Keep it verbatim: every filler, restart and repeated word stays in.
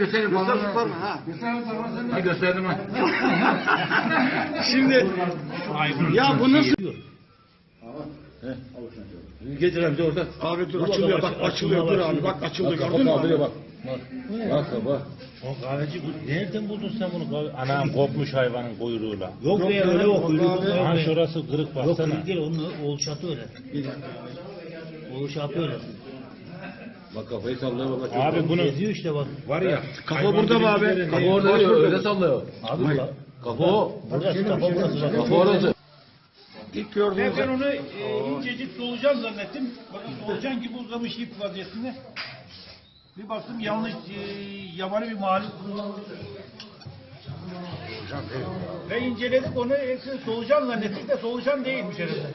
göstereyim falan. Ha. Ha gösterdim ha. Şimdi ya bu nasıl? Getir amca orada. Abi dur açılıyor bak açılıyor dur abi bak açıldı gördün mü? Kaldırıyor bak. Bak bak. O kahveci bu nereden buldun sen bunu? Kahve... Anam kopmuş hayvanın kuyruğuyla. Yok be öyle yok. Ha şurası kırık Yok baksana. kırık değil onun oğulşatı öyle. Oğulşatı öyle. Bak kafayı sallıyor baba. Çok Abi bunu Geziyor işte bak. var ya. Kafa burada mı abi? Kafa orada değil öyle sallıyor. Abi bak. Kafa o. Burası kafa burası bak. Kafa orası. İlk gördüğünüz Ben onu e, incecik solucan zannettim. Bakın solucan gibi uzamış ip vaziyetinde. Bir baktım yanlış e, yabani bir mahluk. Ve inceledik onu hepsini solucan zannettik de solucan değilmiş herhalde.